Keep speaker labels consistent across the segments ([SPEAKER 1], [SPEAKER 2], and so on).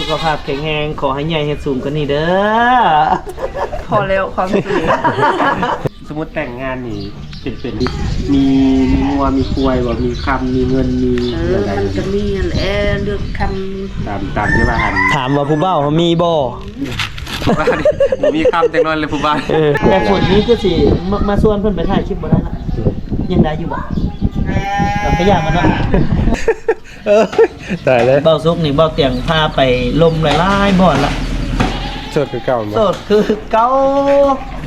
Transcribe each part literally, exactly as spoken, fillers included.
[SPEAKER 1] สุขภาพแข็งแรงขอให้ใหญ่ให้สูงกว่านี้เด้อ
[SPEAKER 2] พอแล้วความสูง
[SPEAKER 3] สมมติแต่งงานนี่เป็นเป็นมีมีงัวมีควายว่ามีคำมีเงินมี
[SPEAKER 2] เออมันจะมีอันแอเลือกค
[SPEAKER 3] ตามตามที่ว่าหัน
[SPEAKER 1] ถามว่าผู้เบ้ามีบ่
[SPEAKER 3] บ้านมีคำแต่งนอนเลยผู้บ้าน
[SPEAKER 1] แต่คนนี้ก็สิมามาชวนเพิ่นไปถ่ายคลิปบ่ได้ละยังได้อยู่บ่เราพยายามมันเนาะ
[SPEAKER 3] เออตายเลย
[SPEAKER 1] เบ้าซุกนี่เบ้าเตียงพาไปลมหลายๆบ่อนละ
[SPEAKER 3] สดคือเก่ามั้
[SPEAKER 1] โสดคือเก้าใส่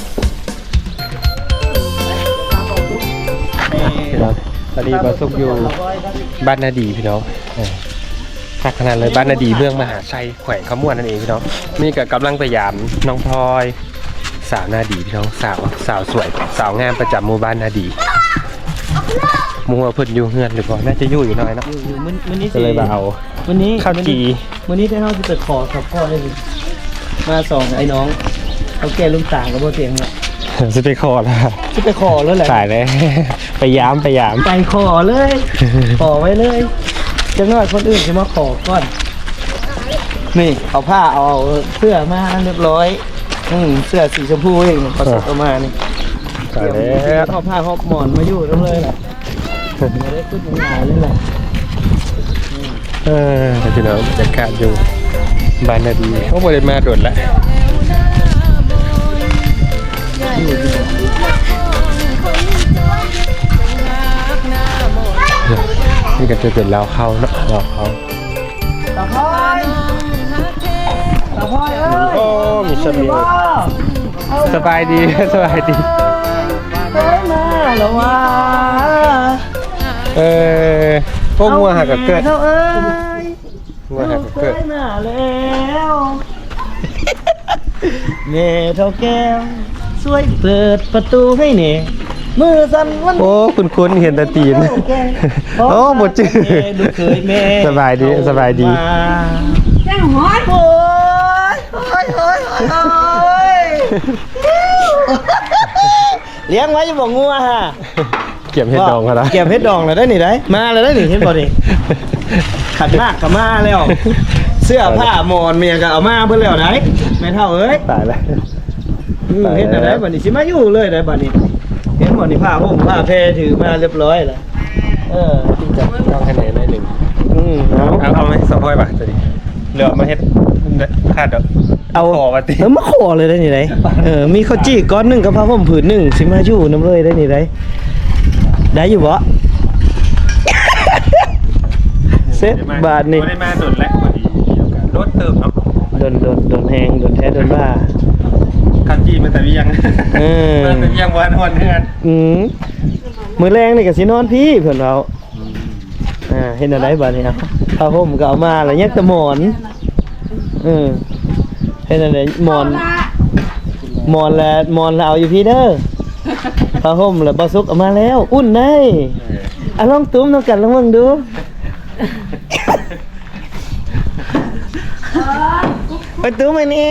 [SPEAKER 3] ตอนนี้บาซุกอยู่บ้านนาดีพี่น้องทักขนาดเลยบ้านนาดีเมืองมหาชัยแขวงขมวนนั่นเองพี่น้องนี่ก็กำลังพยายามน้องพลอยสาวนาดีพี่น้องสาวสาวสวยสาวงามประจำหมู่บ้านนาดีมัวเพิ่นอยู่เฮือนหรือเปล่าน่าจะอยู่อยู่น้อยเนาะ
[SPEAKER 1] อยู่อยู่มื้อมื้อนี้
[SPEAKER 3] ก็เลยมาเอา
[SPEAKER 1] มื้อนี้
[SPEAKER 3] ข้าวจี
[SPEAKER 1] มื้อนี้ได้เฮาสิไปขอกับพ่อได้สิมาสองไอ้น้องเขาแก่ลุงต่างกับบ่เตียงเนาะ
[SPEAKER 3] จะไปคอแล้ว
[SPEAKER 1] สิไปขอแล้วแหละ
[SPEAKER 3] ตายเลย ไปย้ำไปย้
[SPEAKER 1] ไปขอเลย ขอไว้เลยจังน้อยคนอื่นจะมาขอก่อน นี่เอาผ้าเอาเอาเสื้อมาเรียบร้อย อืมเสื้อสีชมพูเองเขาส่งเอามานี่
[SPEAKER 3] ำตาย
[SPEAKER 1] เดี๋ยว
[SPEAKER 3] แล้ว
[SPEAKER 1] เอาผ้าหอบหมอนมาอยู่ตรงเลยแหละไม่ได้ขึ้นหนาเลยแหละ
[SPEAKER 3] เออพี่น้องบรรยากาศอยู่บ้านนาดีก็ไม่ได้มาโดดแล้วนี่ก็จะเป็นเราเข้าเนาะเราเข้า
[SPEAKER 1] ตาพอยตาพอยเอ้ย
[SPEAKER 3] โอ้มีสมีสบายดี สบายดี
[SPEAKER 1] เฮ้ยมาแล้วว่า
[SPEAKER 3] เออพวกงัวหักกับเกิด
[SPEAKER 1] เท่าเอ้ย
[SPEAKER 3] งัวหักกับเกิด
[SPEAKER 1] เฮ้ยมาแล้วแม่เท่าแก้วช่วยเปิดประตูให้หน่อยมือสั่นวัน
[SPEAKER 3] โอ้คุณคุณเห็นแตาตีนโอ้หมดจื้อ
[SPEAKER 1] ดูเคยแม่
[SPEAKER 3] สบายดีสบายดี
[SPEAKER 2] ำแจ้งหัว
[SPEAKER 1] โอ้ยโอ้ยโอ้ยโอ้ยเลี้ยงไว้จะบอกงัวฮะ
[SPEAKER 3] เก็บเห็ดดองเขาละ
[SPEAKER 1] เก็บเห็ดดองเลยได้หนิได้มาเลยได้หนิเห็นบ่ดิขัดมากกับมาแล้วเสื้อผ้าหมอนเมียก็เอามาเพื่อแล้วไหนไม่เท่าเอ้ย
[SPEAKER 3] ตายแล้ว
[SPEAKER 1] อืมเห็นอะไรบัดนี้สิมาอยู่เลยได้บัดนี้เห็นบ่นี่ผ้าห่มผ้าแพรถือมาเรียบร้อยแล้วเออจริงจัง
[SPEAKER 3] ต้องคะแนนได้หนึ่ง
[SPEAKER 1] อืมเอา
[SPEAKER 3] เอาเอาไหมสองถ้วยป่ะตัวนี้เหลือมาเฮ็ดคาดดอก
[SPEAKER 1] เอา
[SPEAKER 3] ขอมาติ
[SPEAKER 1] เออมาขอเลยได้นี่ได้เออมีข้าวจี้ก้อนหนึงกับผ้าห่มผืนหนึงสิมาอยู่น้ำเลยได้นี่ได้ได้อยู่บ่เซ็ตบาทนี่
[SPEAKER 3] ไม่ได้มาโดนแล้วพอดีรถเติมเนาะ
[SPEAKER 1] โดนโดนโดนแหงโดนแท้โดนว่า
[SPEAKER 3] คันจีมันแต่เวียง
[SPEAKER 1] เออ
[SPEAKER 3] มันแต่เวียงวันวันเฮือน
[SPEAKER 1] อืมมื้อแรงนี่ก็สินอนพี่เพิ่นเอาอ่าเห็นอะไรบาดนี้ครับผ้าห่มก็เอามาแล้วยังแต่หมอนเออเห็นอะไรหมอน หมอนแล้วหมอนแล้วเอาอยู่พี่เด้อผ้าห่มแล้วบ่ซุกเอามาแล้ว อุ่นได้อ่ะลองตุ้มนำกันลองเบิ่งดูไปตุ้มไอ้นี่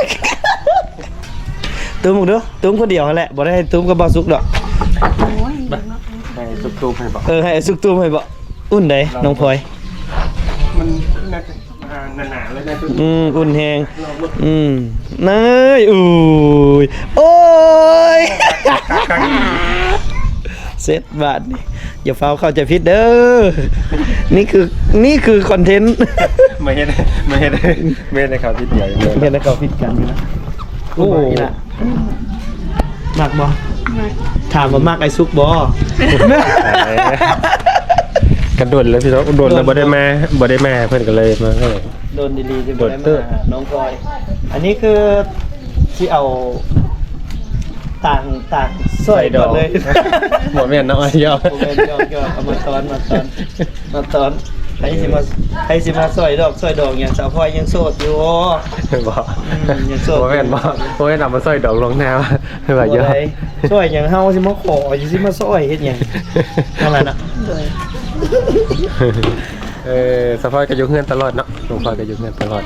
[SPEAKER 1] ตุ้มดูตุ้มคนเดียวนั่นแหละบ่ได้ให้ตุ้มกับบ่ซุกดอก
[SPEAKER 3] ไปซุบตูมให้บอก
[SPEAKER 1] เออให้ซุกตุ้มให้บ่อุ่นได้น้องพลอย
[SPEAKER 3] มันน่าจะหนาๆเลยนะทุก
[SPEAKER 1] อืมอุ่นแฮงอืมนายอุ้ยโอ้ย
[SPEAKER 3] ครั้ง
[SPEAKER 1] เซตบาทนี่อย่าเฝ้าเข้าใจผิดเด้อ นี่คือนี่คือคอนเทนต์
[SPEAKER 3] ไม่เห็นไม่เห็นไม่เห็นในข่าวที่เดียวเลย
[SPEAKER 1] เห็นแล้วก็ผิดกันนะโอ้ยนะมักบ่ถามว่ามากไอ้ซุกบ่
[SPEAKER 3] กระโดดเลยพี่น้องโดดแล้วบ่ได้มาบ่ได้มาเพื่อนก็เลยมาให้
[SPEAKER 1] โดนดีๆจะ
[SPEAKER 3] โด
[SPEAKER 1] บ่
[SPEAKER 3] น
[SPEAKER 1] ได้
[SPEAKER 3] เตอร์
[SPEAKER 1] มาน้องพลอย อันนี้คือที่เอาต่างต่างสร้อยดอกเลย
[SPEAKER 3] หมดแม่นน้อยเยอะ
[SPEAKER 1] ผมเป็นยอกยอกเอามาตอนมาตอนมาตอนใครสิมาใครสิมาสร้อยดอกสร้อยดอกอย่างสาวพลอยยังโสดอยู่
[SPEAKER 3] บอก
[SPEAKER 1] อืมยังโสด
[SPEAKER 3] โมแม่นบอกโมแม่นนำมาสร้อยดอกลงแนวแบบเยอะ
[SPEAKER 1] สร้อยอย่างเฮาสิมาขอสิมาสร้อยเฮ็ดหยังนั่นแหละนะ
[SPEAKER 3] เออสะพอยก็อยู่เฮือนตลอดเนาะหลวงพ่อก็อยู่เฮือนตลอด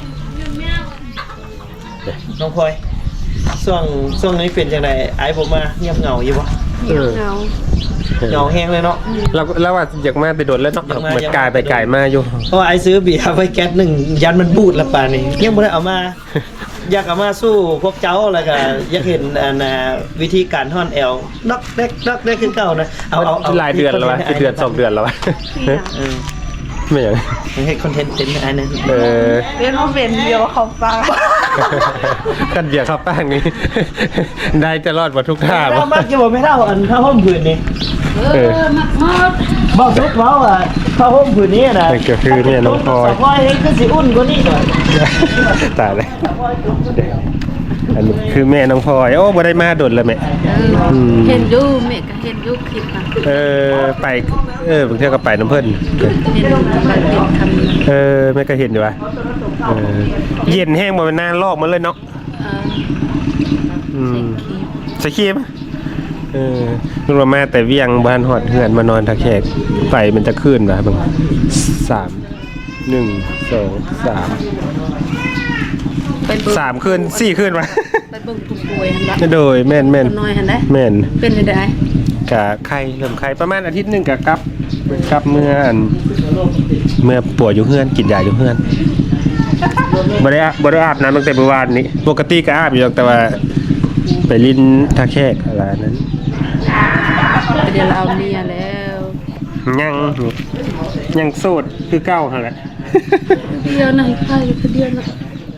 [SPEAKER 1] น้องพลอยช่วงช่วงนี้เป็นจังได๋ไอ้บ่มาเงียบเหงาอยู่บ่
[SPEAKER 2] เหี่ยวเงา
[SPEAKER 1] เหงาแห้งเลยเนาะ
[SPEAKER 3] เราเราว่าอยากมาไปโดนแล้วเนาะ
[SPEAKER 1] อยากมา
[SPEAKER 3] เหมือนกายไปกายมาอยู่
[SPEAKER 1] เพราะว่าไอ้ซื้อเบียร์ไว้แก๊สหนึ่งยันมันบูดละป่านนี้ยังไม่ได้เอามา อยากเอามาสู้พวกเจ้าอะไรกันอยากเห็นอันน่ะวิธีการท่อนแอลนอกแรกนอกแรกขึ้นเก่านะเอาเอาเอา
[SPEAKER 3] หลายเดือนแล้ววะเดือนสองเดือนแล้ววะ
[SPEAKER 1] เออ
[SPEAKER 3] ไม่อย่าง
[SPEAKER 1] ให้คอนเทนต์เต็มอันนั้น
[SPEAKER 3] เออ
[SPEAKER 2] เป็นว่าเป็นเดียวเขาฟัง
[SPEAKER 3] กันเบียร์ข้าวแป้งนี่ ได้จะรอดหมดทุกท่า
[SPEAKER 1] เรามักจะบอกไม่เท่าอันผ้าห่มผืนนี้
[SPEAKER 2] เออมักมาก
[SPEAKER 1] บอกทุกเว้าอ่ะผ้าห่มผืนนี้นะ
[SPEAKER 3] นั่นก็คือเนี่ยน้องพลอย
[SPEAKER 1] สาวพลอยให้ขึ้นสิอุ่นกว่านี้หน่อย
[SPEAKER 3] ตายเลยอันนี้คือแม่น้องพลอยโอ้บ่ได้มาโดดเลยแม่
[SPEAKER 2] เออเห็นอยู่แม่ก็เห็นอยู่คลิปนะ
[SPEAKER 3] เออไปเออบางเที่ยวก็ไปน้ำเพิ่น
[SPEAKER 2] เห็นมันเป็นคำนั้น
[SPEAKER 3] เออแม่ก็เห็นอยู่ว่ะเออเย็นแห้งบ่เป็นหน้าลอกมันเลยเนาะ
[SPEAKER 2] เออ
[SPEAKER 3] อืม
[SPEAKER 2] ใส่คลิป
[SPEAKER 3] สกีมเออลุงมาแต่เวียงบ้านหอดเหือนมานอนทักแขกไฟมันจะขึ้นว่ะเบิ่งสามหนึ่งสองสาม
[SPEAKER 2] ไปเบิ่ง
[SPEAKER 3] สามคืนสี่คืนวะ
[SPEAKER 2] ไปเบิ่งผู้ป่วยหั่นละ
[SPEAKER 3] โดยแม่นแม่น
[SPEAKER 2] คนน้อยหั่นได้
[SPEAKER 3] แม่น
[SPEAKER 2] เป็นจังได๋
[SPEAKER 3] กะไข่เริ่มไข่ประมาณอาทิตย์หนึงกะกลับกลับเมื่ออันเมื่อป่วยอยู่เฮือนกินยาอยู่เฮือนบ่ได้อาบ่ได้อาบน้ำตั้งแต่เมื่อวานนี้ปกติก็อาบอยู่หรอกแต่ว่าไปลิ้นทักแขกอะไรนั้น
[SPEAKER 2] ไปเดี๋ยวเราเอาเมียแล้ว
[SPEAKER 3] ยังยังโสดคือเก้าหั่นแหละ
[SPEAKER 2] เดียวนะใครอยู่เดียวนะ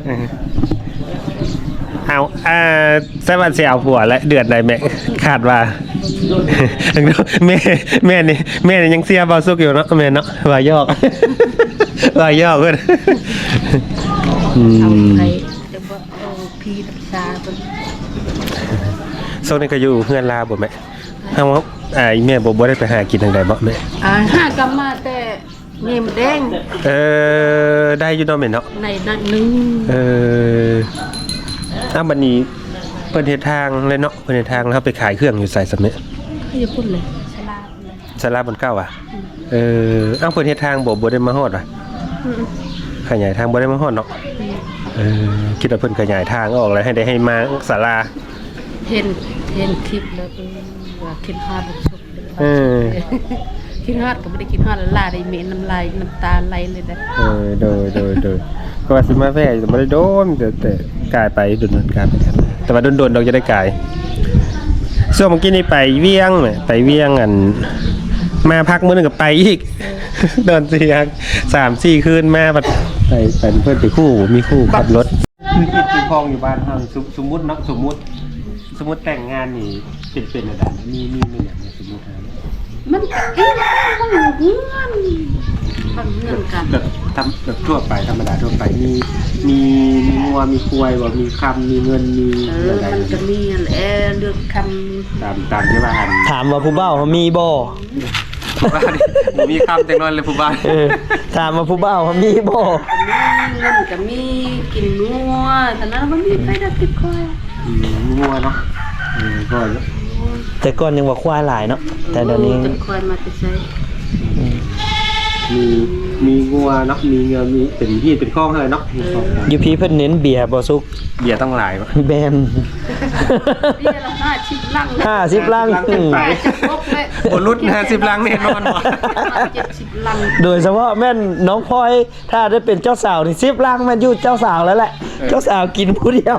[SPEAKER 3] เอาอ่าใช่วันเสียเอาผัวและเดือนใดแม่ขาดว่า แม่แม่นี่แม่นี่ยังเสียเบาสุกอยู่เนาะแม่เนาะว่ายอก ว่ายอกเพิ่นอื
[SPEAKER 2] เอา
[SPEAKER 3] ม
[SPEAKER 2] ใครจะบ่เอาพี่รักษาเพิ่น
[SPEAKER 3] โซนนี้ก็อยู่เพื่อนลาบ่แม่เฮาว่าอ่าอีแม่บ่บ่ได้ไปหากินทางใดบ่แม่
[SPEAKER 2] อ่าหากลับมาแต่เนมแดง
[SPEAKER 3] เออได้อยู่เนาะแม่เนาะ
[SPEAKER 2] ในนั้นหนึง
[SPEAKER 3] เอออ้าวบัดนี้เพิ่นเฮ็ดทางเลยเนาะเพิ่นเฮ็ดทางแล้วเฮาไปขายเครื่องอยู่ไสซะแม่
[SPEAKER 2] เขาจะพูดเลยฉลาดเลย
[SPEAKER 3] สลาบนเก้าอ่ะ เอออ้าวเพิ่นเฮ็ดทางบ่บ่ได้มาฮอดว่ะ
[SPEAKER 2] อืม
[SPEAKER 3] ขยายทางบ่ได้มาฮอดเนาะ เออคิดว่าเพิ่นขยายทางออกแล้วให้ได้ให้มาศาลา
[SPEAKER 2] เห็นเห็นคลิปแล้วเออว่าคิดฮอดบ่สุดเลย
[SPEAKER 3] เออ
[SPEAKER 2] คิดฮอดก็บ่ได้คิดฮอดแล้วลาได้เหม็นน้ำลายน้ำตาไหลเลยนะ
[SPEAKER 3] เออโดยโดยโดยก็ว่าสิมาแว่แต่บ่ได้โดนแต่แต่กลายไปโดนๆกลายไปกันแต่ว่าโดนๆเราจะได้กลายส่วนเมื่อกี้นี่ไปเวียงแหมไปเวียงอัน มาพักมื้อนึงก็ไปอีก โดนเสียงสามสี่คืนมาบัดไปเป็นเพื่อนไปคู่มีคู่ขับรถคือจิตคือคลองอยู่บ้านเฮาสมสมมุติเนาะสมมุติ สมมุติแต่งงานนี่เป็นเป็นอะไรมีมีมีอย่างนี้สมมุตินะ
[SPEAKER 2] มันก็เอ๊ะมันเงื่อนมันเงื่อนกัน
[SPEAKER 3] แบบทำแบบทั่วไปธรรมดาทั่วไปมีมีมีงัวมีควายว่ามีคำมีเงินมี
[SPEAKER 2] เออ
[SPEAKER 3] อะไร
[SPEAKER 2] มันก็มีอันแอเลือกค
[SPEAKER 3] ตามตามที่ว่าหัน
[SPEAKER 1] ถามว่าผู้เบ้าเขามีบ่
[SPEAKER 3] บ้านนี่มีคำแต่งนอนเลยผู้บ้าน
[SPEAKER 1] เออถามว่าผู้เบ้าเขามีบ่
[SPEAKER 2] ำมีเงินก็มีกินงัวแต่นั้นมันมีไปดักติดคอย
[SPEAKER 3] อืมมีงัวเนาะเออก็
[SPEAKER 1] แต่ก่อนยังว่าควายหลายเนาะแต่เดี๋ยวนี้
[SPEAKER 2] ติดคอยมาจะใช้
[SPEAKER 3] มีมีงัวเนาะมีเงินมีเป็นที่เป็นข้องอะไรเนาะมีข้อง
[SPEAKER 1] อยู่พี่เพิ่นเน้นเบียร์บ่สุก
[SPEAKER 3] เบียร์ต้องหลายวะ
[SPEAKER 1] แบน
[SPEAKER 2] นี่ละห้าชิบลังเลย
[SPEAKER 1] ห้าสิบลัง
[SPEAKER 3] ขึ้นไป
[SPEAKER 2] พกเลย
[SPEAKER 3] บนรุดนะสิบลังแน่นอนวะ
[SPEAKER 2] เจ็ดสิบลัง
[SPEAKER 1] โดยเฉพาะแม่นน้องพลอยถ้าได้เป็นเจ้าสาวนี่สิบลังแม่นอยู่เจ้าสาวแล้วแหละ เจ้าสาวกินผู้เดียว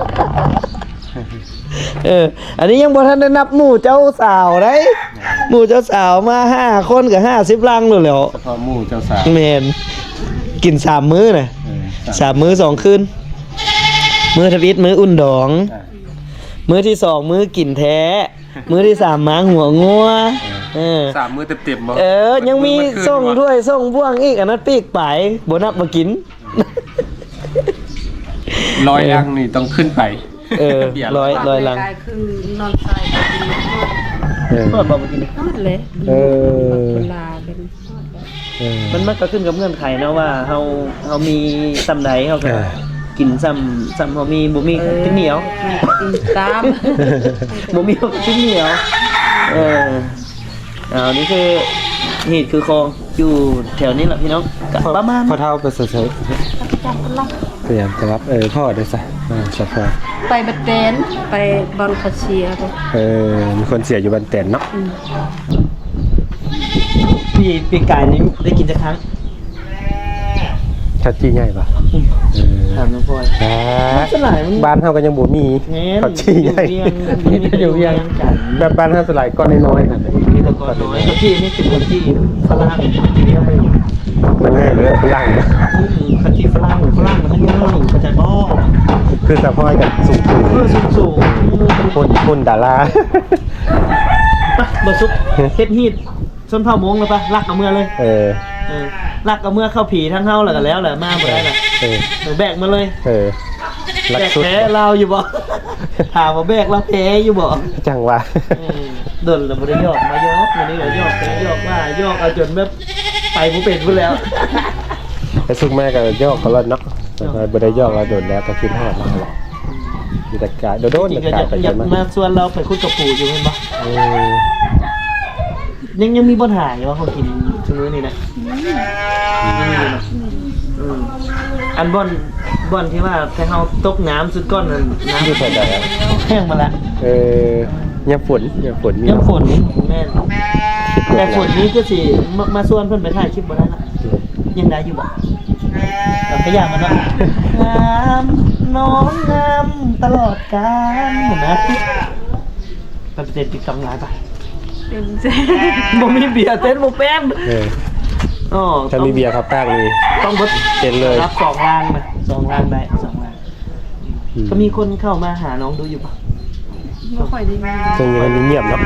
[SPEAKER 1] เออ อันนี้ยังบ่ทันได้นับหมู่เจ้าสาวได้หมู่เจ้าสาวมาห้าคนกับห้าสิบลังเลยแหล้ว
[SPEAKER 3] เฉพาะหมู่เจ้าสาว
[SPEAKER 1] แม่นกินสามมื้อน่ะ
[SPEAKER 3] เออ
[SPEAKER 1] สามมื้อสองคืนมื้อทวิตมื้ออุ่นดอง
[SPEAKER 3] อ่ะ
[SPEAKER 1] มื้อที่สองมื้อกินแท้ มื้อที่สามม้าหัวงัวเออ
[SPEAKER 3] สามมือเต็มๆบ่
[SPEAKER 1] เออ ยังมี
[SPEAKER 3] นคืน
[SPEAKER 1] ส่ง
[SPEAKER 3] วะ
[SPEAKER 1] ด้วยส่งบ่วงอีกอันนั้นปีกไปบ่นับมากิน
[SPEAKER 3] ร้อยลังนี่ต้องขึ้นไป
[SPEAKER 1] เออ
[SPEAKER 3] บีร์
[SPEAKER 1] ร้อย ร้ลัง
[SPEAKER 2] กายคือนอนใส่ก็กินนอน
[SPEAKER 3] เออ
[SPEAKER 1] ทอดบ่มากิน
[SPEAKER 2] นอนเลย
[SPEAKER 3] เออ
[SPEAKER 2] เวลาเป็น
[SPEAKER 3] เออ
[SPEAKER 1] มันมันก็ขึ้นกับเงื่อนไขนะว่าเฮาเฮามีซ้ำใดเฮาก็
[SPEAKER 3] เออ
[SPEAKER 1] กินซ้ำซ้ำเฮามีบ่มีก็กินเหนียว
[SPEAKER 2] กินตาม
[SPEAKER 1] บ่มีก็กินเหนียว เออเอานี่คือเหตุคือคลองอยู่แถวนี้แหละพี่น้องก็ประมาณ
[SPEAKER 3] พ่อเท่าไปเฉย
[SPEAKER 2] จับลัก
[SPEAKER 3] ๆพยายามจะรับเออพ่อได้ซะอ่าชอบพ่อ
[SPEAKER 2] ไปบัดแดนไปบางคาเชียร์
[SPEAKER 3] เออมีคนเสียอยู่บันแตนเนาะ
[SPEAKER 2] อืม
[SPEAKER 1] พี่ปีกายนี้ได้กินจักครั้ง
[SPEAKER 3] ชัดจี้ใหญ่ปะ
[SPEAKER 1] ถามน้องพลอย
[SPEAKER 3] แหม
[SPEAKER 1] สลายมัน
[SPEAKER 3] บ้านเฮาก็ยังบ่มี
[SPEAKER 1] แม่น
[SPEAKER 3] เขาจี้ใหญ่
[SPEAKER 1] อยู่เวียง
[SPEAKER 3] อยู่เวียง
[SPEAKER 1] กัน
[SPEAKER 3] แบบบ้านเฮาสลายก้อนน้อยๆนั่นแหละ
[SPEAKER 1] มีตะกอนน้อยเขาจี้นี่เป็นคนที่ฝรั่งที่เรียกไป
[SPEAKER 3] มันง่ายเลยฝรั่งนะ
[SPEAKER 1] เขาจี้ฝรั่งฝรั่งมันง่ายเขาจะบ้อ
[SPEAKER 3] คือสะพอยกับสูง
[SPEAKER 1] เพื่อสูงสูง
[SPEAKER 3] ๆคนคนดารา
[SPEAKER 1] ปะบะซุกเฮ็ดฮีดส้นเผาโมงเลยปะลักเอาเมื่อเลย
[SPEAKER 3] เออ
[SPEAKER 1] เออลักเอาเมื่อเข้าผีทั้งเฮาแล้วก็แล้วแหละมาบ่ได้ล่ะ
[SPEAKER 3] เออ
[SPEAKER 1] เออแบกมาเลย
[SPEAKER 3] เออลั
[SPEAKER 1] แบ
[SPEAKER 3] ก
[SPEAKER 1] ก
[SPEAKER 3] สุด
[SPEAKER 1] แพ้เราอยู่บ่ ถามว่าแบกเราแพ้อยู่บ่
[SPEAKER 3] จังหวะ
[SPEAKER 1] เออโดนแล้วบ่ได้ยอกมายอกวันนี้ก็ยอกไปยอกมายอกเอาจนแบบไปบ่เป็นพุ่นแล้ว
[SPEAKER 3] ไอ้สุกแม่ก็ยอกเขาแล้วเนาะแต่ว่าบ่ได้ยอกเราโดนแล้วก็คิดฮอดเราแหละมีแต่กายโดน
[SPEAKER 1] จริง
[SPEAKER 3] ๆ
[SPEAKER 1] ก็
[SPEAKER 3] กา
[SPEAKER 1] อย ยาก
[SPEAKER 3] ไป
[SPEAKER 1] อ
[SPEAKER 3] เย
[SPEAKER 1] ยาก
[SPEAKER 3] อะมาก
[SPEAKER 1] มาชวนเราไปคุยกับปู่อยู่แม่นบ่
[SPEAKER 3] เออ
[SPEAKER 1] ยังยังมีปัญหาอยู่ว่าเขากินชั่วโมงนี้นะยังมีอยู่นะอืมอันบ่อนบ่อนที่ว่าถ้าเฮาตกน้ำสุดก้อนนั้นน้ำ
[SPEAKER 3] อยู่แถวใดอะ
[SPEAKER 1] แห้งมาแล้ว
[SPEAKER 3] เออยามฝนยามฝนมี
[SPEAKER 1] ยังฝนแม่นแต่ฝนนี้ก็สิมามาชวนเพิ่นไปถ่ายคลิปบ่ได้ละยังได้อยู่บ่แต่พยายามมันเนาะงามน้องงามตลอดกาลเห็นไหมไปเต้นติ๊กต็อกหลายปะ
[SPEAKER 2] เป็นเจ๊
[SPEAKER 1] บ่มีเบียร์เต้นบ่เป็น
[SPEAKER 3] เออ
[SPEAKER 1] อ๋อ
[SPEAKER 3] ถ้ามีเบียร์ครับแป้งนี่
[SPEAKER 1] ต้องเบิด
[SPEAKER 3] เต้นเลย
[SPEAKER 1] รับสองล้านนะสองล้านได้สองล้าน
[SPEAKER 3] อื
[SPEAKER 1] ก็มีคนเข้ามาหาน้องดูอยู่ปะ
[SPEAKER 2] ไม่ค่อยได้มี
[SPEAKER 3] ช่วงนี้มันเงียบเนาะ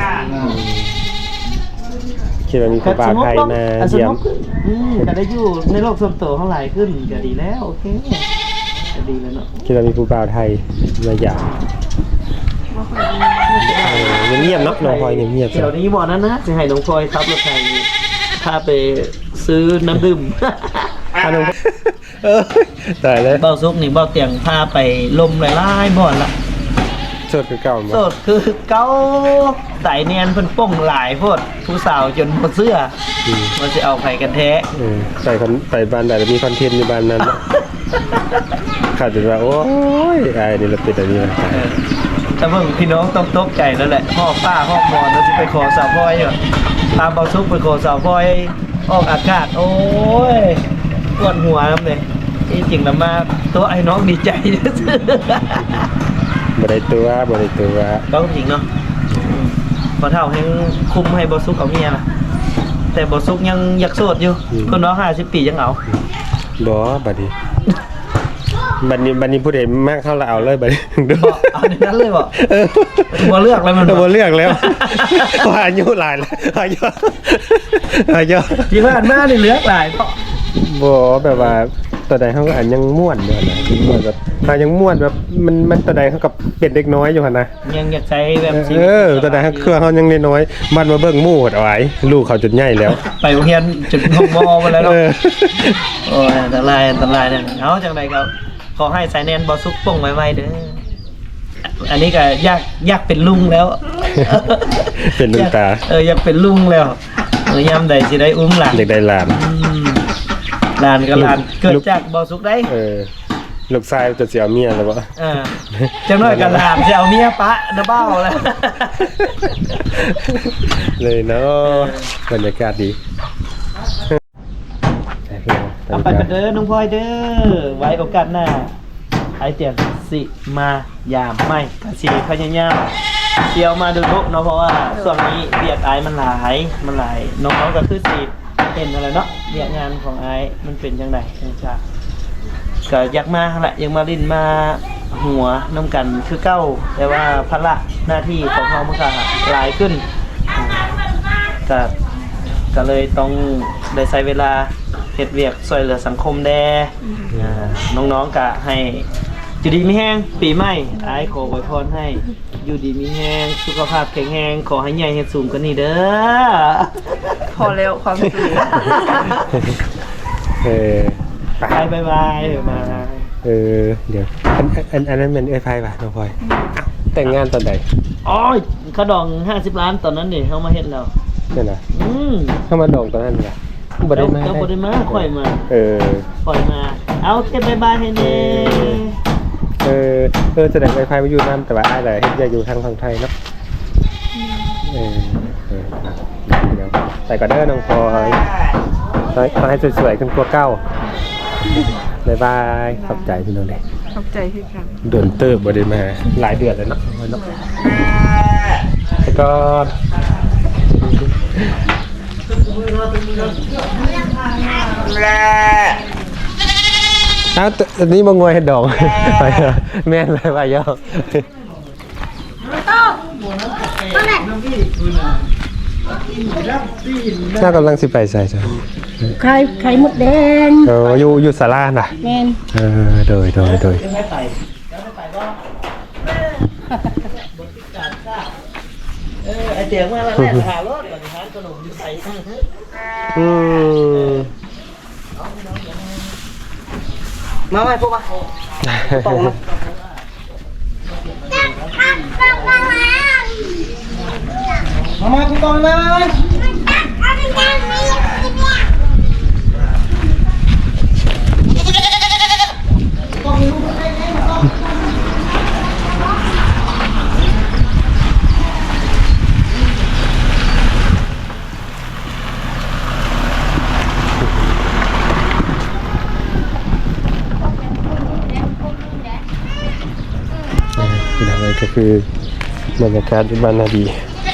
[SPEAKER 3] คิดว่ามีครูบาไทยมา
[SPEAKER 1] อ่ะส
[SPEAKER 3] เยี่ยม
[SPEAKER 1] นุกอืมก็ได้อยู่ในโลกส่วนตัวเขาหลายขึ้นก็ดีแล้วโอเคก็ดีแล้วเนาะ
[SPEAKER 3] คิดว่ามีครูบาไทยมาหยาม
[SPEAKER 2] ไม่ค่อยได้มี
[SPEAKER 3] เออเงียบๆเนาะน้องพลอยเงียบๆ
[SPEAKER 1] เดี๋ยวนี้บอกนั้นนะจะให้น้องพลอยครับรถไฟพาไปซื้อน้ำดื่ม
[SPEAKER 3] อ่ะน้องเออตายเลย
[SPEAKER 1] เบ้าซุกนี่เบ้าเตียงพาไปลมหลายๆบ่อนละ
[SPEAKER 3] สดคือเก่า
[SPEAKER 1] โสดคือเก้าไต่เนียนเพิ่นป้องหลายโพดผู้สาวจนหมดเสื้อ
[SPEAKER 3] อืม
[SPEAKER 1] มันจะเอาไผกันแท้
[SPEAKER 3] เออไปคอนไปบ้านใดแล้วมีคอนเทนต์อยู่บ้านนั้นเนาะขาดจนว่าโอ้ยไอ้นี่เราเป็นอันนี้นะ
[SPEAKER 1] เออแต่เบิ่งพี่น้องต้องตกใจแล้วแหละพ่อป้าพ่อมอนแล้วสิไปขอสาวพลอยอยู่ตามเบาซุกไปขอสาวพลอยออกอากาศ โอ้ยปวดหัวครับเลยจริงๆแล้วมาตัวไอ้น้องดีใจ
[SPEAKER 3] บ่ได้ตัวบ่ได้ตัว
[SPEAKER 1] ก็จริงเนาะพอเท่าให้คุมให้บอซุกเอาเมียนะแต่บอซุกยังอยากโสดอยู่คนน้องห้าสิบปียังเอา
[SPEAKER 3] บ่บัดนี้บัดนี้บัดนี้ผู้ใดมากเข้าละเอาเลยบัดนี้ดู
[SPEAKER 1] บอกเอาในนั้นเลยบอก
[SPEAKER 3] เออ
[SPEAKER 1] บ่เลือกแล้วมันบอก
[SPEAKER 3] บ่เลือกแล้วว่าอายุหลายแล้วอายุอายุ
[SPEAKER 1] ที่ผ่านมานี่เลือกหลายเพราะ
[SPEAKER 3] บ่แบบว่าตัวใดเขาก็อันยังม่วนอยู่นะยังม่วนแบบถ้ายังม่วนแบบมันมันตัวใดเขากับเป็นเด็กน้อยอยู่หั่นนะ
[SPEAKER 1] ยังอยากใช้แบบชี
[SPEAKER 3] เอ
[SPEAKER 1] วิต
[SPEAKER 3] อตัวใดเขาเครื่องเขายังน้อยๆมันมาเบิ่งหมู่เอาไว้ลูกเขาจนใหญ่แล้ว
[SPEAKER 1] ไปโรงเรียนจุดห้องมอมาแล้วเนาะ
[SPEAKER 3] เออ
[SPEAKER 1] โอ้ยอันตรายอันตรายเนี่ยเอาจังไดครับขอให้สายแนนบอซุกป่งไว้ๆเด้ออันนี้ก็อยากอยากเป็นลุงแล้ว
[SPEAKER 3] เป็นลุงตา
[SPEAKER 1] เอออยากเป็นลุงแล้วเออยามใดสิได้อุ้มหลาน
[SPEAKER 3] เด็กได้หลาน
[SPEAKER 1] อืมหลานก็หลาน
[SPEAKER 3] ลูก
[SPEAKER 1] เกิดจากบอซุกได้
[SPEAKER 3] เออลูกชายจะเสียเมียแล้วบ่
[SPEAKER 1] เออจังน้อยก็หลานจะเอาเมียปะนะเบ้าแล้ว
[SPEAKER 3] เลยเนาะบรรยากาศดี
[SPEAKER 1] เอาไปกันเด้อน้องพลอยเด้อไว้โอกาสหน้าไอเตียงสิมายามไม่กสิพยายามเที่ยวมาดูทุกเนาะเพราะว่าส่วนนี้เบียกไอายมันหลายมันหลายน้องๆก็คือสิเห็นอะไรเนาะเบียกงานของไอายมันเป็นยังไงจังจ้าก็อยากมาแหละยังมาลินมาหัวน้ำกันคือเก้าแต่ว่าภาระหน้าที่ของเขามันก็หลายขึ้นก็ก็เลยต้องได้ใช้เวลาเฮ็ดเวียกช่วยเหลือสังคมแด่อ่าน้องๆก็ให้อยู่ดีมีแห้งปีใหม่อ้ายขออวยพรให้อยู่ดีมีแห้งสุขภาพแข็งแรงขอให้ใหญ่เฮ็ดสูงกว่านี้เด้อ
[SPEAKER 2] พอแล้วความสุข
[SPEAKER 3] เออ
[SPEAKER 1] ไปบายบายมา
[SPEAKER 3] เออเดี๋ยวอันอันอันนั้นมันเอ้ยไพ่ป่ะน้องพลอยอ้าวแต่งงานตอนไหน
[SPEAKER 1] อ๋อเขาดองห้าสิบล้านตอนนั้นนี่เฮามาเฮ็ดแล้ว
[SPEAKER 3] เนี่ยนะ
[SPEAKER 1] อืม
[SPEAKER 3] เข้ามาดองตอนนั้นเหรอบ่ได้มา
[SPEAKER 1] เจ้าบ่ได้มาค่อยมา
[SPEAKER 3] เออ
[SPEAKER 1] ค่อยมา เอาเก็บบายบายให้แน่
[SPEAKER 3] เออเออแสดงไอ้ไพ่มาอยู่นั่นแต่ว่าอ้ายแหละเฮ็ดอยากอยู่ทางฝั่งไทยเนาะเออเออครับเดี๋ยวใส่ก็เด้อน้องพลอยขอให้สวยๆขึ้นกว่าเก้าบ๊ายบายขอบใจพี่น้องเลย
[SPEAKER 2] ขอบใจพี่ค่ะ
[SPEAKER 3] โดนเติบบได้มาหลายเดือนแล้วเนาะเนาะแล้วก็อ้าวอันนี้บางงวยเห็ดดอกไปแม่นเลยว่าย่อถ้ากำลังสิไปใส่ใช่
[SPEAKER 2] ไข่ไข่มดแดง
[SPEAKER 3] เอออยู่อยู่ศาลาน่ะ
[SPEAKER 2] แม่น
[SPEAKER 3] เออโดยโดยโดย
[SPEAKER 1] เออไอเตียงมาแล้วแม่หารถก่อนทานขนมอยู่ใส่
[SPEAKER 3] อืม
[SPEAKER 1] มาไหมพวกมาตรงมามามาคุณกองมามา
[SPEAKER 3] ที่ทำอะไรก็คือบรรยากาศที่บ้านนาดี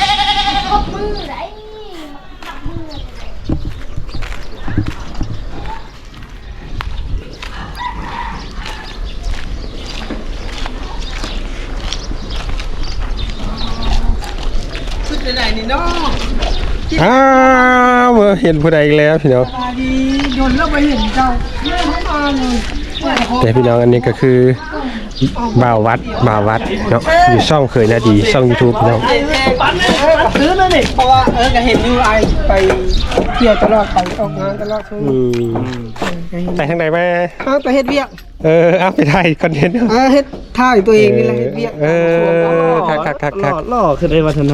[SPEAKER 3] อ้าวเห็นผู้ใดอีกแล้วพี่น้อง
[SPEAKER 2] โดนแล้วไปเห็นเจ้าเรื่องของมัน
[SPEAKER 3] แต่พี่น้องอันนี้ก็คือบ่าววัดบ่าววัดเนาะอยู่ช่องเคยนาดีช่อง YouTube พี่น้อง
[SPEAKER 2] ซื้อเลยนี่เพราะว่าเออก็เห็นอยู่ไอไปเที่ยวตลอดไปออกงานตลอดช่วง
[SPEAKER 3] อืมไปทางไหนมา
[SPEAKER 2] อ้าวไปเฮ็ดเวียก
[SPEAKER 3] เออเอาไปถ่ายคอนเทนต์
[SPEAKER 2] อ่าเฮ็ดท่าอยู่ตัวเองนี่แหละเฮ็ดเวียก
[SPEAKER 3] เออคักคักคักคัก
[SPEAKER 1] หล่อคือได้วัฒนา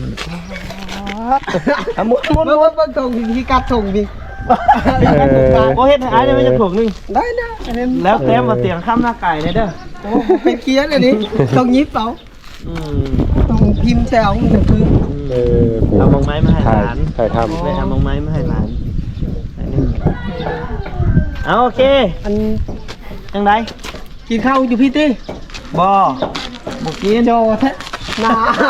[SPEAKER 2] อ่ะมุดมุดมุดมุดส่งพี่กัดส่งพี่
[SPEAKER 1] โอ้เฮ็ดให้อ้ายได้ไม่จะถูกนึง
[SPEAKER 2] ได้นะอันนี้
[SPEAKER 1] แล้วเต็มมาเตียงข้ามหน้าไก่เลยเด้อ
[SPEAKER 2] โอ้เป็นเกียร์เลยนี่ต้องยิบเอา
[SPEAKER 1] อืม
[SPEAKER 2] ต้องพิมพ์แซวมันถึงคือ
[SPEAKER 3] เออ
[SPEAKER 1] เอามองไม้มาให้ห
[SPEAKER 3] ถ่าย
[SPEAKER 1] ลาน
[SPEAKER 3] ถ่ายท
[SPEAKER 1] ไปเอามองไม้มาให้หลานอันนี้เอาโอเค
[SPEAKER 2] อัน
[SPEAKER 1] จังได
[SPEAKER 2] กินข้าวอยู่พี่ตี้
[SPEAKER 1] บ่บ่กิน
[SPEAKER 2] โจแท้นา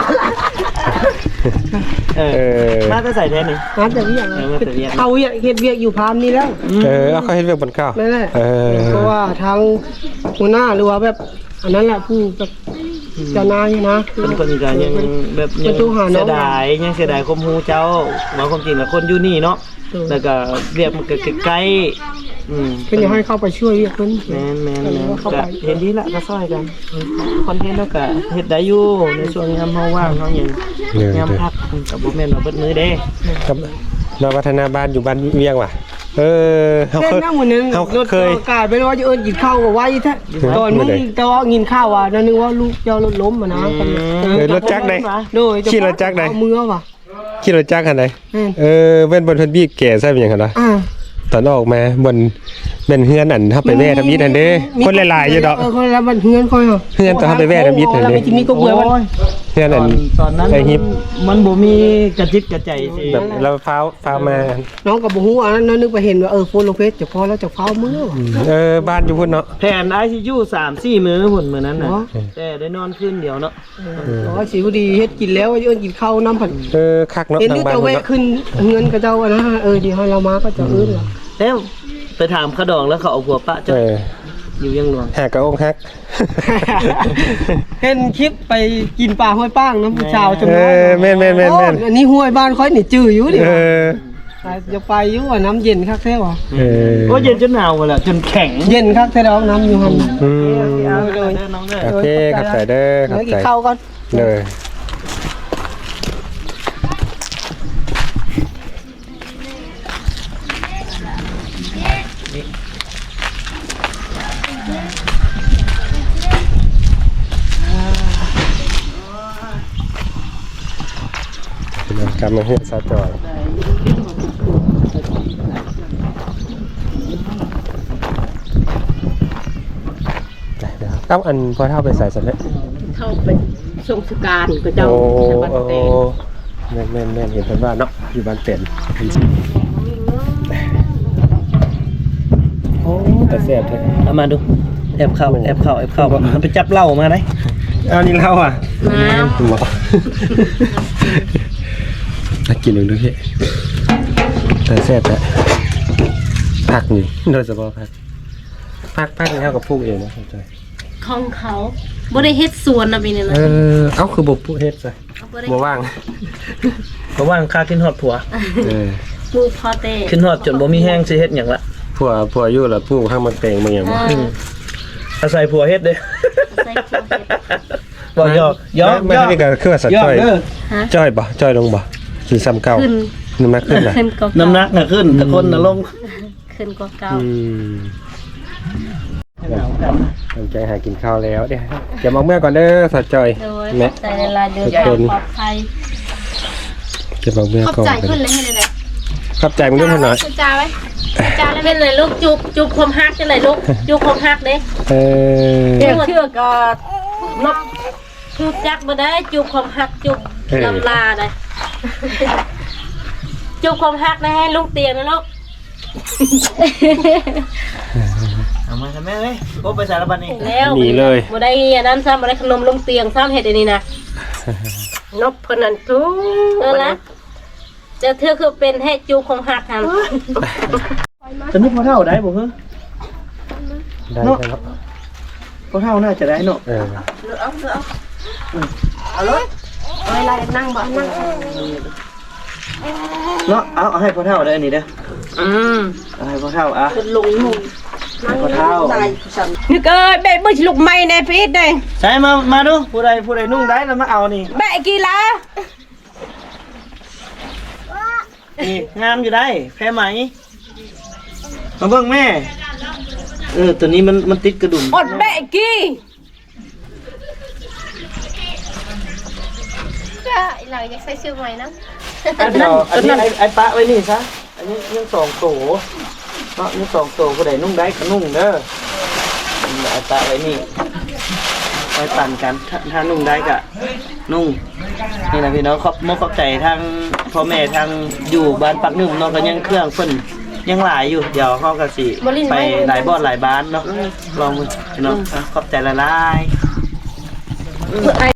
[SPEAKER 1] เอ
[SPEAKER 3] ำเอ
[SPEAKER 1] อ
[SPEAKER 3] อ
[SPEAKER 1] มาจะใส่แทนนี่
[SPEAKER 2] งานแต่เวียก
[SPEAKER 1] เออมาแต่เวียก
[SPEAKER 2] เอาเวียกเฮ็ดเวียกอยู่พามนี่แล้ว
[SPEAKER 3] เออเอาเขาเห็นเรื่องบนข้าว
[SPEAKER 2] นั่นแหละ
[SPEAKER 3] เออ
[SPEAKER 2] เพราะว่าทางหัวหน้าหรือว่าแบบอันนั้นแหละผู้แบบเจ้านายนะ
[SPEAKER 1] เป็นคนก็ยังแบบยัง
[SPEAKER 2] เป็นตู้หาน้อง
[SPEAKER 1] เสียดายยังเสียดายความฮู้เจ้าว่าความจริงแล้วคนอยู่นี่เนาะแล้วก็เรียกมันก็ใกล้ๆอืม
[SPEAKER 2] เพิ่นอยากให้เข้าไปช่วยเวียกเพิ่น
[SPEAKER 1] แม่นแม่น
[SPEAKER 2] ก็เลย
[SPEAKER 1] แม่น
[SPEAKER 2] ว่าเข้า
[SPEAKER 1] ก็
[SPEAKER 2] ไป
[SPEAKER 1] เห็นดีละก็ซอยกันคอนเทนต์แล้วก็เฮ็ดได้อยู่ในช่วงยามเฮาว่างเฮาหยัง
[SPEAKER 3] เออย
[SPEAKER 1] ามพักก็บ่แม่นว่าเบิดมื้อเด้
[SPEAKER 3] ครับเราพัฒนาบ้านอยู่บ้านเวียงว่ะเออเขา
[SPEAKER 2] เล่น
[SPEAKER 3] เคย
[SPEAKER 2] นั่งวันนึง
[SPEAKER 3] เขา
[SPEAKER 2] รถ
[SPEAKER 3] เคย
[SPEAKER 2] อากาศไปว่าจะเอิ้นกินข้าวก็ไว้แท้
[SPEAKER 3] เออ
[SPEAKER 2] ตอนมึง
[SPEAKER 3] ไม่ได้
[SPEAKER 2] แต่ว่ากินข้าวอ่ะนั่นนึกว่าลูกเจ้ารถล้มอ่ะนะ
[SPEAKER 3] เออรถจักรไหน
[SPEAKER 2] โดย
[SPEAKER 3] ขี่รถจักรไหน
[SPEAKER 2] เอามือว่ะ
[SPEAKER 3] ขี่รถจักรคันไหน
[SPEAKER 2] แม่น
[SPEAKER 3] เออเว้นบนเพิ่นบี้แก่ใช่เป็นหยังไงล่ะ
[SPEAKER 2] อ่า
[SPEAKER 3] ตอนออกมาบนเป็นเฮือนอันเฮาไปแว่ทำยิดอันเด้คนหลายๆอยู่ดอก
[SPEAKER 2] เออคนละบันเฮือนค่อยเหรอ
[SPEAKER 3] เฮือนตอนเฮาไปแว่ทำยิดอัน
[SPEAKER 2] แล้ว
[SPEAKER 3] เด้
[SPEAKER 2] ไปกินมีก็เบื่อวัน
[SPEAKER 3] เฮือน
[SPEAKER 1] ต
[SPEAKER 3] อั
[SPEAKER 1] อน นตอนนั้น
[SPEAKER 3] ไอ้ฮิป
[SPEAKER 1] มันบ่มีกระจิตกระใจสิ
[SPEAKER 3] แบบเราฟ้าวฟ้าวมา
[SPEAKER 2] น้องกับบุหูอันนั้นนึกไปเห็นว่าเออโฟนลงเฟซจะพอแล้วจะเฝ้ามือว่ะ
[SPEAKER 3] เออบ้านอยู่พุ่นเนาะ
[SPEAKER 1] แผน ไอ ซี ยู สาม สี่มื้อพุ่นมื้อนั้นน่ะ
[SPEAKER 2] เนาะ
[SPEAKER 1] แต่ได้นอนคืนเดียวเนาะ
[SPEAKER 2] อ๋อสีพอดีเฮ็ดกินแล้วว่าจะเอิ้นกินข้าวน้ำผัด
[SPEAKER 3] เออคักเนาะ
[SPEAKER 2] เห็น
[SPEAKER 3] ทา
[SPEAKER 2] ดู
[SPEAKER 3] งบ้าน
[SPEAKER 2] จะ
[SPEAKER 3] พุ่น
[SPEAKER 2] แวะ
[SPEAKER 3] เนาะ
[SPEAKER 2] ขึ้นเงินกับเจ้าอะนะเออเดี๋ยวให้เรามาก็จะเอิ้นเหรอ
[SPEAKER 1] แล้วไปถามขดองแล้วเขาเอาผัวปะเจ้า
[SPEAKER 3] เออ
[SPEAKER 1] อยู่ยังหลวง
[SPEAKER 3] หากระองฮัก
[SPEAKER 2] เห็นคลิปไปกินปลาห้อยป้างน้ำผู้ชาวจำ
[SPEAKER 3] เอ
[SPEAKER 2] ได้
[SPEAKER 3] อแม่นแม่นแม่นแม่น
[SPEAKER 2] โอ้อันนี้ห้วยบ้านค่อยนี่จื้ออยู่ดิ
[SPEAKER 3] เออ
[SPEAKER 2] จะไปอยู่ว่าน้ำเย็นคักแท้ว่ะ
[SPEAKER 3] เออ
[SPEAKER 1] โอ้เย็นจนหนาวหมดแล้วจนแข็ง
[SPEAKER 2] เย็นคักแท้ดอกน้ำอยู่หั่น
[SPEAKER 3] อืม
[SPEAKER 1] เอาเลยน้องเด้อ
[SPEAKER 3] โอเคครับใส่เด้อค
[SPEAKER 2] เดี๋
[SPEAKER 3] รั
[SPEAKER 2] ย
[SPEAKER 3] บ
[SPEAKER 2] วกิน
[SPEAKER 3] ใส่
[SPEAKER 2] ข้าวก่อน
[SPEAKER 3] เลยกลับมาเฮือนซาจอยเดี๋ยวเอ้าอันพอเท่าไปใส่เสร็จแล้ว
[SPEAKER 2] เข้าไปส่งสการกับเจ้า
[SPEAKER 3] โอ้
[SPEAKER 2] สบัด
[SPEAKER 3] โอ้
[SPEAKER 2] เตง
[SPEAKER 3] แม่นแม่นแม่นเห็นเพิ่นว่าเนาะอยู่บ้านเป็นโอ้แต่แซ่บแท้
[SPEAKER 1] เอามาดูแอบเข้าแอบเข้าแอบเข้าเอาไปจับเหล้ามาได้
[SPEAKER 3] เอานี่เล่าอ่ะน้ำหมอน่ากินหนึ่งด้วยพี่แต่แซ่บแท้ผักนี่โดยเฉพาะผักผักผักนี่เท่ากับปลูกเองนะเข้าใจ
[SPEAKER 4] ของเขาบ่ได้เฮ็ดสวนนะพี่นี่นะ
[SPEAKER 3] เออเอ้าคือบ่ปลูกเฮ็ดใช่บ่ว่าง
[SPEAKER 1] เพราะว่าค่าขึ้นฮอดผัว
[SPEAKER 3] เออ
[SPEAKER 4] ปลูกพอเต้
[SPEAKER 1] ขึ้นฮอดจนบ่มีแห้งสิเฮ็ดหยังละ
[SPEAKER 3] ผัวผัวอยู่แล้วปลูกข้างมันแตงมันหยังบ่
[SPEAKER 1] อืมอาศัยผัวเฮ็ดเด้
[SPEAKER 4] ใส่พวกเฮ็ด
[SPEAKER 1] บ่ยอกยอก
[SPEAKER 3] ไม่
[SPEAKER 1] ยอก
[SPEAKER 3] นี่ก็คือว่าสัตว์
[SPEAKER 1] ยอก
[SPEAKER 3] จ้อย
[SPEAKER 1] เด้อ
[SPEAKER 4] ฮะ
[SPEAKER 3] จ้อยบ่จ้อยลงบ่หรือซ้ำเก่า
[SPEAKER 4] ขึ้น
[SPEAKER 3] น้ำหนักขึ้นล่ะ
[SPEAKER 4] ขึ้นกว่า
[SPEAKER 1] น้ำหนักน่ะขึ้นแต่คนน่ะลง
[SPEAKER 4] ขึ้นกว่าเก่า
[SPEAKER 3] อืมตั้งใจหากินข้าวแล้วเดี๋ยวเก็บเอาเมื่อก่อนเด้อสัตว์จ้อย
[SPEAKER 4] โดย
[SPEAKER 3] แม่
[SPEAKER 4] ใจละลายเดินทางปลอดภัย
[SPEAKER 3] เก็บเอาเมื่อ
[SPEAKER 4] ขอบ
[SPEAKER 3] ก่อน
[SPEAKER 4] ใจขึ้นเลยให้ได้
[SPEAKER 3] ขอบใจมึงด้วยหน่อย
[SPEAKER 4] จ้าไว้จ้าแล้วเป็นเลยลูกจุบจุบความฮักจังได๋ลูกจุบความฮักเด้
[SPEAKER 3] เออ
[SPEAKER 4] เชื่อเชื่อก็นกจุบจักบ่ได้จุบความฮักจุบลำลาได้จุบความฮักได้ให้ลูกเตียงนะลูก
[SPEAKER 1] เอามาทำแม่เอ้ยโอ้ไปสารบัดนี้
[SPEAKER 4] แล้ว
[SPEAKER 3] หนีเลย
[SPEAKER 4] บ่ได้อันนั้นซ้ำบ่ได้ขนมลงเตียงซ้ำเฮ็ดอันนี้นะนกเพิ่นนั่นทุเออละจะเธอคือเป็นให้จูของหักหัน
[SPEAKER 1] จะนึกพอเท่าได้บ่เฮ้อ
[SPEAKER 3] ได้แล้ว
[SPEAKER 1] พอเท่าน่าจะได้เนาะ
[SPEAKER 3] เออ
[SPEAKER 4] เวลานั่งบ่นั่ง
[SPEAKER 1] เนาะเอาเอาให้พอเท่าได้อันนี้เด้อ
[SPEAKER 4] อืม
[SPEAKER 1] เอาให้พอเท่าอ่ะ
[SPEAKER 4] เป็นลุงลุง
[SPEAKER 1] ให้พอเท่า
[SPEAKER 4] นึกเอ้ยแบะบ่สิลูกไม้ในพีดได้
[SPEAKER 1] ใช่มามาดูผู้ใดผู้ใดนุ่งได้แล้วมาเอานี่
[SPEAKER 4] แบะกี่ละ
[SPEAKER 1] นี่งามอยู่ได้แพ้ไหมมาเบิ่งแม่เออตัวนี้มันมันติดกระดุม
[SPEAKER 4] อดแบะกี่ก็เราอยากใส่ชื่อใหม่นะ
[SPEAKER 1] อันเดียวอันนี้ไอ้ไอ้ปะไว้นี่ซะอันนี้ยังสองโตเนาะยังสองโตผู้ใดนุ่งได้ก็นุ่งเด้อไอ้ปะไว้นี่ไว้ปั่นกันถ้าถ้านุ่งได้ก็นุ่งนี่นะพี่น้องขอบมกขอบใจทางพ่อแม่ทางอยู่บ้านปักหนึ่งเนาะก็ยังเครื่องเพิ่นยังหลายอยู่เดี๋ยวเขาก็สิไปหลายบ่อนหลายบ้านเนาะลองมือพี่น้องอ่ะขอบใจละลาย